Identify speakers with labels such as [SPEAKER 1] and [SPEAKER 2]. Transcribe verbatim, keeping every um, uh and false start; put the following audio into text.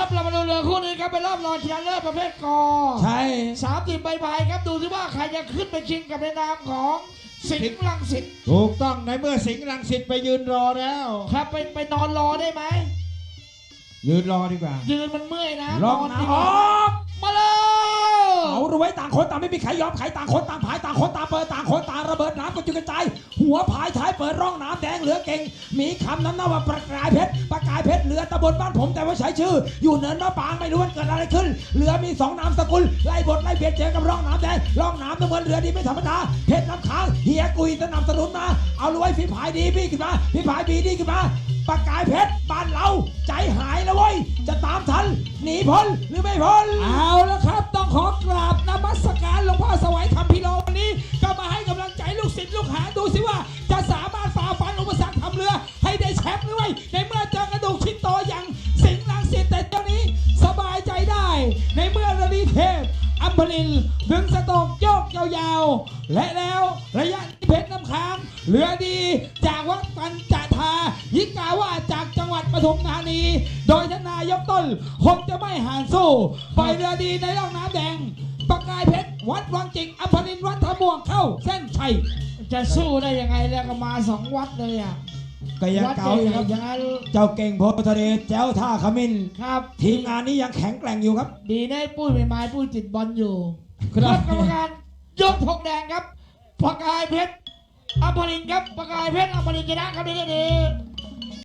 [SPEAKER 1] ครับเรามาดูเรือคู่นี้ครับเป็นรอบรองชนะเลิศประเภทกอ
[SPEAKER 2] ใช่
[SPEAKER 1] สามสิบใบพายครับดูสิว่าใครจะขึ้นไปชิงกับในนามของสิงห์รังสิต
[SPEAKER 2] ถูกต้องในเมื่อสิงห์รังสิตไปยืนรอแล้ว
[SPEAKER 1] ครับไปไปนอนรอได้ไหม
[SPEAKER 2] ยืนรอดีกว่า
[SPEAKER 1] ยืนมันเมื่อยนะ
[SPEAKER 2] ลองนะออก
[SPEAKER 1] มาเลย
[SPEAKER 2] เอารวยต่างคนต่างไม่มีใครยอมใครต่างคนต่างผายต่างคนต่างเปิดต่างคนต่างระเบิดน้ำกระจุยกระจายหัวผายท้ายเปิดร่องน้ำแดงเหลือเก่งมีคำนั้นนะว่าประกายเพชรประกายเพชรเรือตะบนบ้านผมแต่ว่าใช้ชื่ออยู่เนินมะปางไม่รู้ว่าเกิดอะไรขึ้นเรือมีสองนามสกุลไล่บทไล่เบียดเจอกับร่องน้ำแดงร่องน้ำน้ำเงินเรือดีไม่ธรรมดาเพชรน้ำค้างเฮียกุยสนับสนุนมาเอารวยฝีผายดีพี่ขึ้นมาฝีผายบีดีขึ้นมาประกายเพชรบ้านเราใจหายแล้วเว้ยจะตามทันหนีพ้นหรือไม่พ้น
[SPEAKER 3] เอาแล้วครับต้องขอกราบนมัสการหลวงพ่อสวัยคำพิโลวันนี้ก็มาให้กำลังใจลูกศิษย์ลูกหาดูสิว่าจะสามารถฝ่าฟันอุปสรรคทำเรือให้ได้แชมป์หรือไม่ในเมื่อเจอกระดูกชิ้นโตอย่างสิงห์รังสิตแต่เจ้านี้สบายใจได้ในเมื่อระดีเทพอัมพลินดึงสตอกโยกยาวๆและแล้วระยะเพชรน้ำค้างเรือดีจากวัดปัญจทายิกาว่าจากจังหวัดปทุมธานีโดยทนายกต้นคงจะไม่ห่างสู้ปล่อยเรือดีในร่องน้ำแดงประกายเพชรวัดวังจิกอัมพลินวัดทะม่วงเข้าเส้นชัย
[SPEAKER 1] จะสู้ได้ยังไงแล้วก็มาสองวัดเลยอ่ะ
[SPEAKER 2] ก็ยังเก่าอยู่ครับ
[SPEAKER 1] อย่างนั้น
[SPEAKER 2] เจ้าเก่งโพธิ์ทะเลแจ้วท่าขมิ้น
[SPEAKER 1] ครับ
[SPEAKER 2] ทีมงานนี้ยังแข็งแกร่งอยู่ครับ
[SPEAKER 1] ดีนะปุ้ยไม่ไม้ปุ้ยติดบอลอยู่ครับกรรมการยกธงแดงครับประกายเพชรอัมพลินครับประกายเพชรอัมพลินชนะครับดีดี